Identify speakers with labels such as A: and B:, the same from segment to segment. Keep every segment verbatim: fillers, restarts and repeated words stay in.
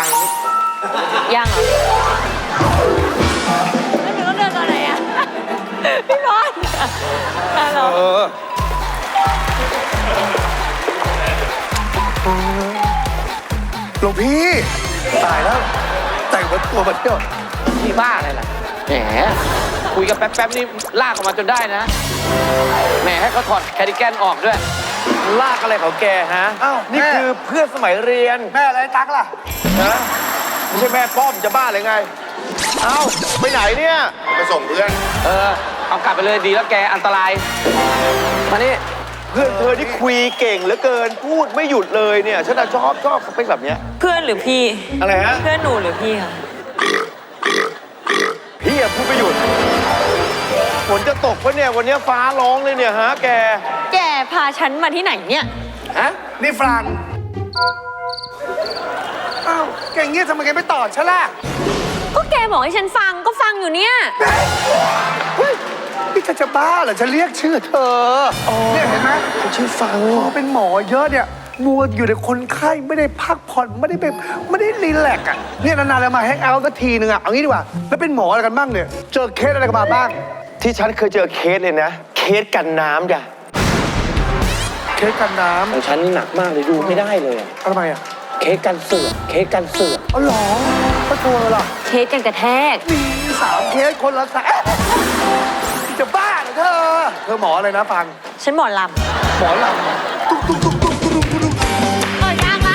A: ยังเหรอแล้วหนูต้องเดินตอนไหนอ่ะพี่บอลฮัลโหล
B: หลวงพี่ตายแล้วแต่งวัดตัวมาเที่ยว
C: พี่บ้าอะไรล่ะแหมคุยกันแป๊บๆนี่ลากออกมาจนได้นะแหมให้เขาถอดแคดิแกนออกด้วยลากอะไรของแกฮะ
B: อ้าว
C: นี่คือเพื่อนสมัยเรียน
B: แม่อะไรตั๊กล่ะ
C: นะไม่ใช่แม่ป้อมจะบ้าเลยไงเอ้าไปไหนเนี่ยไปส่งเพื่อนเออเอากลับไปเลยดีแล้วแกอันตรายมานี่เพื่อนเธอที่คุยเก่งเหลือเกินพูดไม่หยุดเลยเนี่ยฉันชอบชอบสเปคแบบเนี้ย
A: เพื่อนหรือพี่
C: อะไรฮะ
A: เพื่อนหนูหรือพี่คะ
C: พี่อะพูดไม่หยุดฝนจะตกปะเนี่ยวันนี้ฟ้าร้องเลยเนี่ยฮะแก
A: แกพาฉันมาที่ไหนเนี่ย
C: ฮะ
B: นี่ฟรังอ้าวแกอย่างเงี้ยทำไมแกไม่ตอบฉันล่ะ
A: ก็แกบอกให้ฉันฟังก็ฟังอยู่เนี่ย
B: เฮ้ยนี่เธอจะบ้าเหรอฉันเรียกชื่อเธอเนี่ยเห็นไหม
C: ชื่อฟัง
B: พอเป็นหมอเยอะเนี่ยมัวอยู่ในคนไข้ไม่ได้พักผ่อนไม่ได้ไปไม่ได้รีแลกซ์อ่ะเนี่ยนานๆแล้วมาแฮงเอาท์สักทีนึงอ่ะเอางี้ดีกว่าแล้วเป็นหมออะไรกันบ้างเนี่ยเจอเคสอะไรกันมาบ้าง
C: ที่ฉันเคยเจอเคสเลยนะ เคสกันน้ำจ้ะ
B: เคสกันน้
C: ของฉันนี่หนักมากเลยดูไม่ได้เลยอะ
B: ำทำไมอ่ะ
C: เคสกันเสือกเคสกันเสือก
B: อ๋อเหรอก็โทรเลยเหรอ
A: เคสกันกระแทก
B: มีสามเคสคนละสามจะบ้าเหรอเธอเธอหมออะไรนะฟัง
A: ฉันหมอล
B: หมอลำตุ๊กตุ๊กตุ๊กตุ๊กตุ๊กตุ๊ก
A: ำเออยากมาก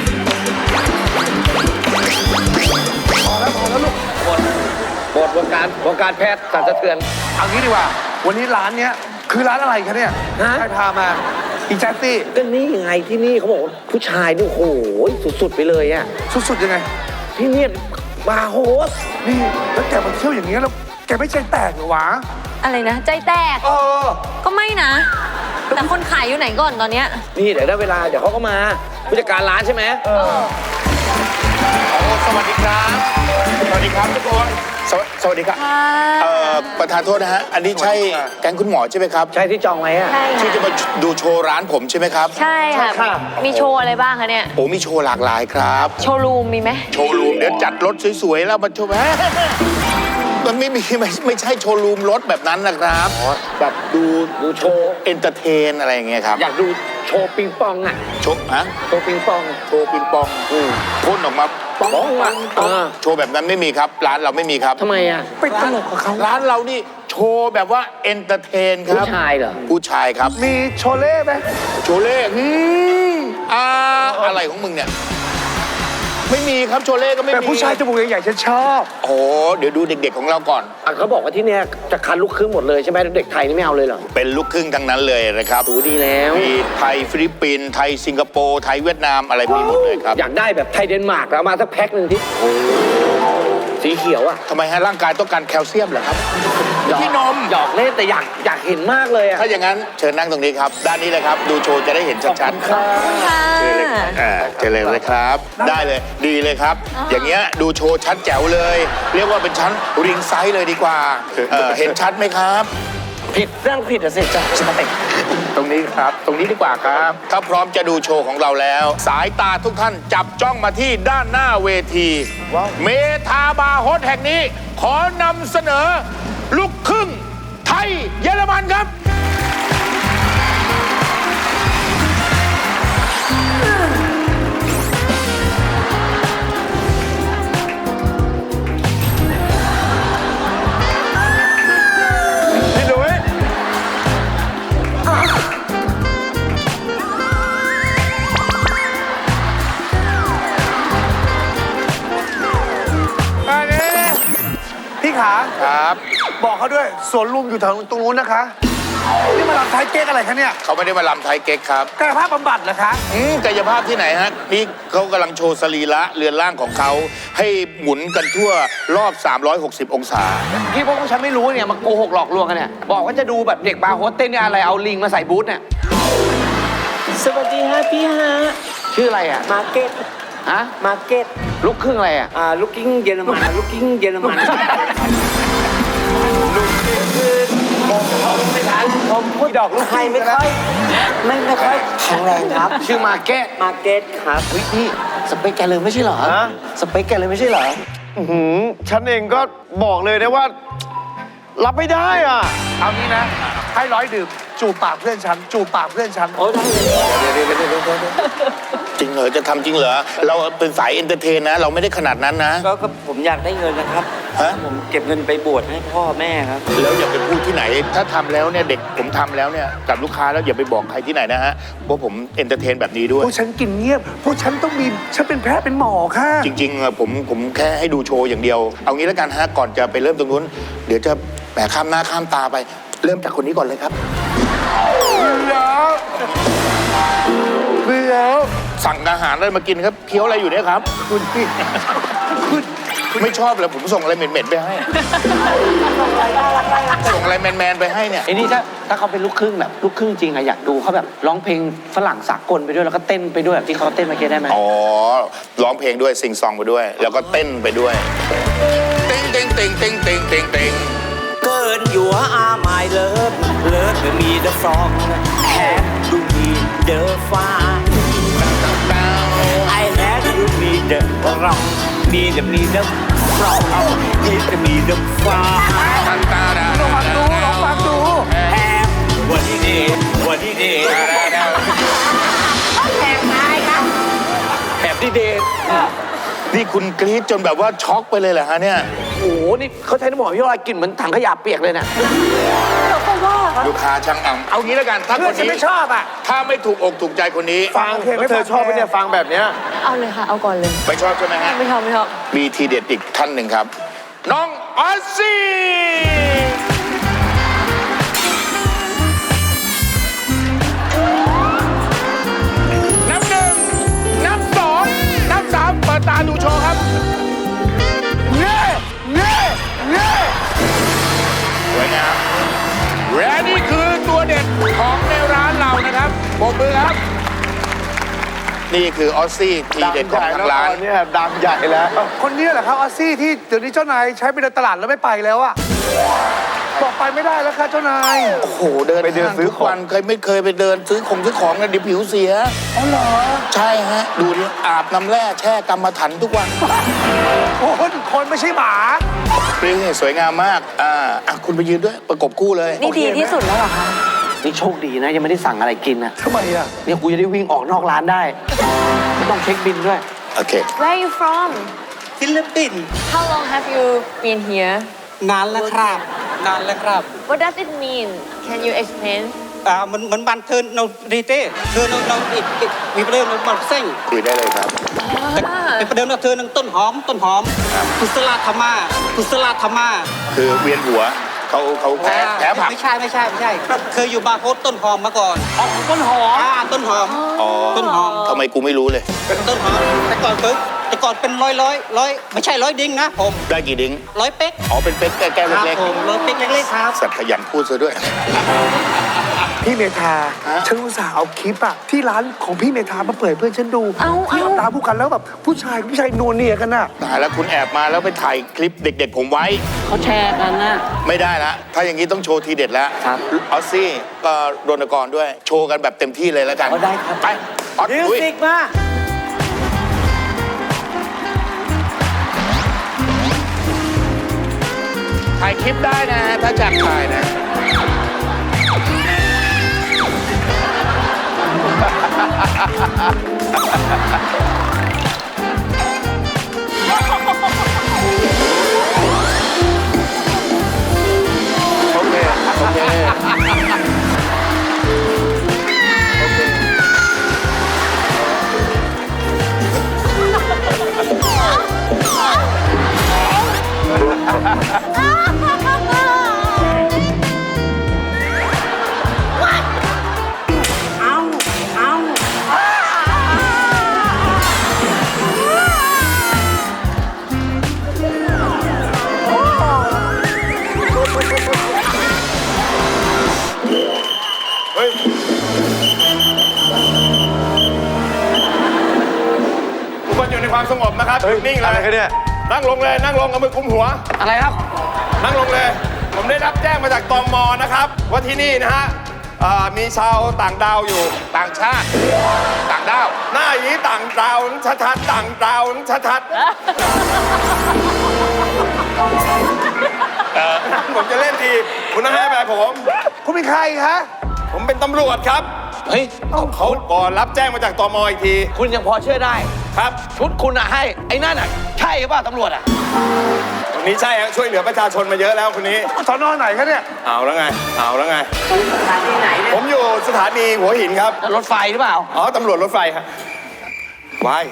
B: พอแล้วพอแล้วลูก
C: หมดหมดวงการวงการแพทย์สั่นสะเทือน
B: เอางี้ดีกว่า วันนี้ร้านเนี้ยคือร้านอะไรคะเนี่ย
C: ฮะ
B: ใครพามาอีแจ๊สซี่
C: ก็นี่ไงที่นี่เขาบอกว่าผู้ชายนี่โอ้โหสุดๆไปเลยอะ
B: สุดๆยังไง
C: ที่เนี่ยบาร์โฮส
B: นี่แล้วแกมาเที่ยวอย่างเงี้ยแล้วแกไม่ใจแตกเหรอวะ
A: อะไรนะ ใจแตก
B: เออ
A: ก็ไม่นะ แต่คนขายอยู่ไหนก่อนตอนเนี้ย
C: นี่เดี๋ยวได้เวลาเดี๋ยวเขาก็มาผู้จัดการร้านใช่ไหม
B: เออ
D: สวัสดีครับ สวัสดีครับทุกคนสวสวัสดีครับ
A: ค่ะ
D: เอ่อ ประธานโทษนะฮะ อันนี้ใช่แก๊งคุณหมอใช่ไหมครับ
C: ใช่ที่จองไว้อะ
A: ใช่
D: ที่จะ
A: ค่ะ
D: มาดูโชว์ร้านผมใช่ไหมครับ
A: ใช่ค่ะ มีโชว์อะไรบ้างคะเนี่ย
D: โอ้มีโชว์หลากหลายครับ
A: โชว์รูมมีไหม
D: โชว์รูมเดี๋ยวจัดรถสวยๆแล้วมาโชว์แฮะมันไม่มีไม่ไม่ใช่โชว์รูมรถแบบนั้นนะครับ แบบดู
C: ดูโชว์
D: เอนเตอร์เทนอะไรอย่างเงี้ยครับ
C: อยากดูโชว์ปิงปองอะ
D: โชว์ฮะ
C: โชว์ปิงปอง
D: โชว์ปิงปอง
C: อืม
D: พ่นออกมา
C: ปองอะเออ
D: โชว์แบบนั้นไม่มีครับ ร้านเราไม่มีครับ
C: ทำไมอะ
B: ไปตลกกับเขา
D: ร้านเรานี่โชว์แบบว่าเอนเตอร์เทนค
C: ผู้
D: รับ
C: ชายเหรอ
D: ผู้ชายครับ
B: มีโชเล่ไหม
D: โชเล่อืมอ่าอะไรของมึงเนี่ย ไม่มีครับโชเล่ก็ไม่มี
B: แต่ผู้ชายจมูกใหญ่ๆฉันชอบ
D: โอ้เดี๋ยวดูเด็กๆของเราก่อน
C: อ่ะเขาบอกว่าที่เนี่ยจะคัดลูกครึ่งหมดเลยใช่ไหมเด็กไทยนี่ไม่เอาเลยเหรอ
D: เป็นลูกครึ่งทั้งนั้นเลยนะครับ
C: โอ้ดีแล้ว
D: มีไทยฟิลิปปินส์ไทยสิงคโปร์ไทยเวียดนามอะไรมีหมดเลยครับ
C: อยากได้แบบไทยเดนมาร์กแล้วมาสักแพ็คหนึ่งที่สีเขียวอ่ะ
D: ทำไมฮะร่างกายต้องการแคลเซียมเหรอครับ
C: หยอก
D: พี่นม
C: หยอกเล่นแต่อยากอยากเห็นมากเลยอ่ะ
D: ถ้าอย่างนั้นเชิญนั่งตรงนี้ครับ ด้านนี้เลยครับ ดูโชว์จะได้เห็นชัดๆ
C: ครับ
A: ค่ะ
D: เชิญเลยอ่าเชิญเลยเลยครับ ได้เลยดีเลยครับ
A: อ่า
D: อย่างเงี้ยดูโชว์ชัดแจ๋วเลย เรียกว่าเป็นชั้นริงไซส์เลยดีกว่าเอ่อเห็นชัดไหมครับ
C: ผิดเรื่องผิดอะสิจ้ะสเต็ก
D: ตรงนี้ครับ ตรงนี้ดีกว่าครับ ถ้าพร้อมจะดูโชว์ของเราแล้ว สายตาทุกท่านจับจ้องมาที่ด้านหน้าเวที เมทาบาร์โฮสแห่งนี้ ขอนำเสนอ ลูกครึ่ง ไทยเยอรมันครับ
B: พี่ดุ้ยอันนี้พี่ขา
D: ครับ
B: บอกเขาด้วยสวนลุมอยู่ทางตรงนู้นนะคะ นี่มาลำไทยเก๊กอะไรคะเนี่ย
D: เขาไม่ได้มาลำไทยเก๊กครับ
B: กายภาพบำบัดเหรอคะ
D: อืมกายภาพที่ไหนฮะ นี่เขากำลังโชว์สรีระเรือนร่างของเขา ให้หมุนกันทั่วรอบ สามร้อยหกสิบ องศา
C: ที่พวกฉันไม่รู้เนี่ยมาโกหกหลอกลวงกันเนี่ยบอกว่าจะดูแบบเด็กบาร์โฮสเต้นเนี่ยอะไรเอาลิงมาใส่บูธเนี่ย
E: สวัสดีฮะพี่ฮะ
C: ชื่ออะไรอ่ะ
E: มาร์เก็ต
C: ฮะ
E: มาร์เก็ต
C: ลูกครึ่งอะไรอ่ะ
E: อ่าลูกกิ้งเยอรมันลูกกิ้งเยอรมันผมพูดดอกลูกไทยไม่ค่อยไม่ไม่ค่อยแข็งแรงครับ
C: ชื่อมาแก้
E: มาร์เก็ตครับ
C: เฮ้ยนี่
E: สเปคแกเลยไม่ใช่เหรอ
C: ฮะ
E: สเปคแกเลยไม่ใช่เหรอ
C: อื้อหือฉันเองก็บอกเลยนะว่า รับไม่ได้อ่ะ
B: เอางี้นะ ให้ร้อยดื่มจูบปากเพื่อนฉัน จูบปากเพื่อนฉัน
E: โอ้ได้เลย
D: จริงเหรอจะทำจริงเหรอเราเป็นสายเอนเตอร์เทนนะ เราไม่ได้ขนาดนั้นนะ
E: ก็ก็ผมอยากได้เงินนะครับ
D: ฮะ
E: ผมเก็บเงินไปบวชให้พ่อแม่ครับ
D: แล้วอย่าไปพูดที่ไหน ถ้าทำแล้วเนี่ยเด็กผมทำแล้วเนี่ยกับลูกค้าแล้วอย่าไปบอกใครที่ไหนนะฮะว่าผมเอนเตอร์เทนแบบนี้ด้ว
B: พ
D: ย
B: วกฉันกินเงียบ พวกฉันต้องมี ฉันเป็นแพทย์เป็นหมอค่ะ
D: จริงๆอะผมผมแค่ให้ดูโชว์อย่างเดียว เอางี้แล้วกันฮะก่อนจะไปเริ่มตรงนู้น เดี๋ยวจะแหมข้ามหน้าข้ามตาไป เริ่มจากคนนี้ก่อนเลยครับ
B: เบื่อ
D: สั่งอาหารอะไรมากินครับเคี้ยวอะไรอยู่เนี่ยครับ
B: คุณพี่คุณ
D: ไม่ชอบเลยผมส่งอะไรเหม็นๆไปให้ ส่งอะไรแมนๆไปให้เนี่ย
E: ไอ้นี่ถ้าถ้าเขาเป็นลูกครึ่งแบบลูกครึ่งจริงอะอยากดูเขาแบบร้องเพลงฝรั่งสากลไปด้วยแล้วก็เต้นไปด้วยแบบที่เขาเต้นเมื่อกี้ได้ไหม
D: อ๋อ ร้องเพลงด้วยซิงซองไปด้วย แล้วก็เต้นไปด้วยเต็งเต็งเต็งเต็งเต็งเต็งเต็ง
E: เกินอยู่อาไมเลิฟเลิฟมีเดอะฟรองแฮปดูมีเดอะฟ้า I had to be the wrong be the me the wrong hit the me the far
B: ลองฟังดูลองฟังดู
E: have what he did what he did แบบที่เดท
D: นี่คุณกรี๊ดจนแบบว่าช็อกไปเลยเหรอฮะเนี่ย
E: โอ้โหนี่เขาใช้น้ำหอมยี่ห้ออะไรกลิ่นเหมือนถังขยะเปียกเลยเนี่ย
D: ลูกค้าช่างอ่ำเอางี้แล้วกัน ถ้า
B: เพื่
D: ค
B: อน
D: น
B: ฉัน
D: นี้
B: ไม่ชอบอ่ะ
D: ถ้าไม่ถูกอกถูกใจคนนี้
C: ฟังแล้วเธอชอบไหมเนี่ยฟังแบบเนี้ย
A: เอาเลยค่ะ เอาก่อนเลย
D: ไม่ชอบใช่ไหมฮะ
A: ไม่ชอบไม่ชอบ
D: มีทีเด็ดอีกท่านหนึ่งครับ น้องออสซี่ นับหนึ่ง นับสอง นับสามเปิดตาดูโชว์ครับ
B: เง่เง่เง่
D: สวยงามและนี่คือตัวเด็ดของในร้านเรานะครับปรบมือครับ นี่คือออสซี่ทีเด็ดของทางร้าน
C: เนี่ยดังใหญ่แล้ว
B: คนนี้แหละครับออสซี่ที่เดี๋ยวนี้เจ้านายใช้ไปเดินตลาดแล้วไม่ไปแล้วอ่ะ บอกไปไม่ได้แล้วค่ะเจ้านาย
D: โอ้โห เดิน
C: ไปเดิน
D: ห้าง
C: ซื้อ
D: ทุกวันเคยไม่เคยไปเดินซื้อของซื้อของนะเดี๋ยวผิวเสีย
B: อ๋อเหรอ
D: ใช่ฮะ ดูดิอาบน้ำแร่แช่กรรมฐานทุกวัน
B: คนคนไม่ใช่หมา
D: นี่สวยงามมาก อ่าอ่ะคุณไปยืนด้วยประกบคู่เลย
A: นี่ดีที่สุดแล้วเหรอคะ
E: นี่โชคดีนะยังไม่ได้สั่งอะไรกินนะ
B: ทำไมอ่ะ
E: เนี่ยกูจะได้วิ่งออกนอกร้านได้ไม่ต้องเช็คบินด้วย
D: โอเค
A: Where are you from
E: ฟิลิปปินส์
A: How long have you been here
F: นานแล้วครับ นานแล้วครับ
A: What does it mean Can you explain
F: อ่ามันมันบันเทิงเราดีเต้เธอเราเราอีกอีกมีประเด็นเราบันเส้ง
D: คุยได้เลยครับ
F: เป็นประเด็นเราเธอนังต้นหอมต้นหอมกุศลธรรมากุศลธรรมา
D: คือเวียนหัวเขาเขาแพ้แพ้ผัก
F: ไม่ใช่ไม่ใช่ไม่ใช่ เคยอยู่บาร์โฮสต้นหอมมาก่อน
E: อ๋อต้นหอม
F: อ่าต้นหอม
D: อ๋อ
F: ต้นหอม
D: ทำไมกูไม่รู้เลย
F: ต้นหอมแต่ก่อนเพิ่งแต่ก่อนเป็นร้อยร้อยร้อยไม่ใช่ร้อยดิ้งนะผม
D: ได้กี่ดิ้ง
F: ร้อยเป๊ก
D: อ๋อ เป็นเป๊กแก้ว
F: ครับ
D: เล็ก
F: ผมร้อยเป๊กเล็กๆครับ
D: ๆสัตว์ขยันพูดซะด้วย
B: พี่เมธา
D: ฮะ
B: ฉันอุตส่าห์เอาคลิปอะที่ร้านของพี่เมธามาเปิดให้เพื่อนฉันดู
A: เอา
B: ที่
A: เอา
B: ทำตามผู้กันแล้วแบบผู้ชายกับผู้ชายนัวเนียกันน่ะ
D: ตายแล้วคุณแอบมาแล้วไปถ่ายคลิปเด็ก ๆ ผมไว้
E: เขาแชร์กันนะ
D: ไม่ได้ละ ถ้าอย่างนี้ต้องโชว์ทีเด็ดแล้ว
E: ครับ
D: ออสซี่ก็รณกรด้วย โชว์กันแบบเต็มที่เลยแล้วกัน
E: เอาได้ครับ
D: ไป ออส
E: มิว
D: ลุย
E: สิกมา
D: ถ่ายคลิปได้นะฮะถ้าจัดถ่ายนะ
C: โอเค โอเคทุกคนอยู่ในความสงบนะครับนิ่งเลย
B: อะไรกันเนี่ย
C: นั่งลงเลย นั่งลงเอามือกุมหัว
E: อะไรครับ
C: นั่งลงเลย ผมได้รับแจ้งมาจากตมนะครับ ว่าที่นี่นะฮะอ่ามีชาวต่างดาวอยู่
D: ต่างชาติ ต่างด้าว
C: หน้าอย่างนี้ต่างดาวชัดๆต่างดาวชัดๆผมจะเล่นทีคุณต้องให้ไปผม
B: คุณเป็นใครฮะ
C: ผมเป็นตำรวจครับ
G: เฮ้ย
C: เขาก่อนรับแจ้งมาจากตมอีกที
G: คุณยังพอเชื่อได้
C: ครับ
G: ชุดคุณอะให้ ไอ้นั่นอะใช่หรือเปล่าตำรวจอะ
C: คนนี้ใช่ฮะช่วยเหลือประชาชนมาเยอะแล้วคนนี้
B: สอนอไหนคะเนี่ย
C: เอาแล้วไง เอาแล้วไง
A: สถานีไหนเนี่ย
C: ผมอยู่สถานีหัวหินครับ
G: รถไฟหรือเปล่า
C: อ๋อตำรวจรถไฟครับวาย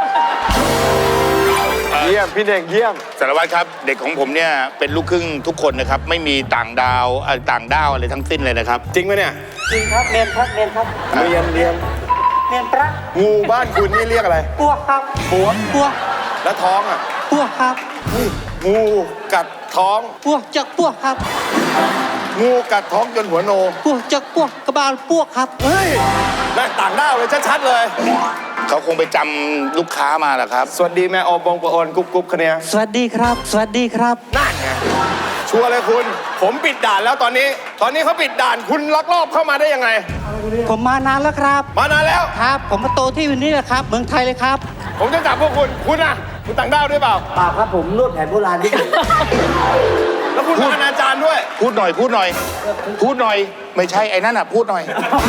C: เยี่ยมพี่เน่งเยี่ยม
D: สารวัตรครับ เด็กของผมเนี่ยเป็นลูกครึ่งทุกคนนะครับ ไม่มีต่างดาวเอ่อต่างด้าวอะไรทั้งสิ้นเลยนะครับ
C: จริงไหมเนี่ย
F: จริงครับเรียนครับเรียนครับ
C: เรียนเรียน
F: เรียนพระ
C: งูบ้านคุณนี่เรียกอะไร
F: ปัวครับปัวปัว
C: แล้วท้องอ่ะ
F: ปัวครับ
C: งูกัดท้อง
F: ปัวจากปัวครับ
C: งูกัดท้องจนหัวโน
F: ปัวจากปัวกระบาลปัวครับ
C: เฮ้ยนั่นต่างด้าวเลยชัดๆเลย
D: เขาคงไปจำลูกค้ามาแหละครับ
C: สวัสดีแม่โอบงปะโอนกุ๊บกุ๊บคะเนีย
F: สวัสดีครับ สวัสดีครับ
C: นั่นไงชัวร์เลยคุณ ผมปิดด่านแล้วตอนนี้ ตอนนี้เขาปิดด่านคุณลักลอบเข้ามาได้ยังไง
F: ผมมานานแล้วครับ
C: มานานแล้ว
F: ครับ ผมมาโตที่วันนี้แหละครับ เมืองไทยเลยครับ
C: ผมจะจับพวกคุณ คุณอ่ะ คุณต่างด้าวด้วยเปล่า
E: เปล่าครับผมนวดแผนโบราณที่
C: แล้วคุณเป็นอนาจารย์ด้วย
D: พูดหน่อย พูดหน่อย พูดหน่อย ไม่ใช่ไอ้นั่นอ่ะ พูดหน่อย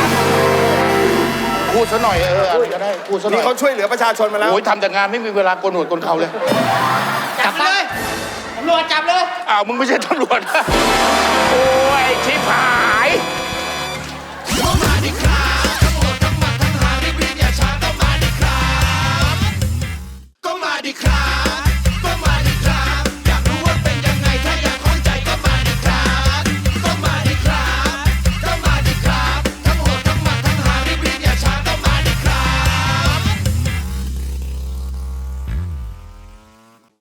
D: พูดซะหน่อยเอออะไรก็ได้ พูดซะหน่
C: นี่
D: อย
C: เขาช่วยเหลือประชาชนมาแล้ว
D: โอ้ยทำแต่งานไม่มีเวลาโกนหนวดโกนเขาเลย
F: จับเลยตำรวจจับเลย
D: อ้าว มึงไม่ใช่ตำรวจ โอ้ยชิบหาย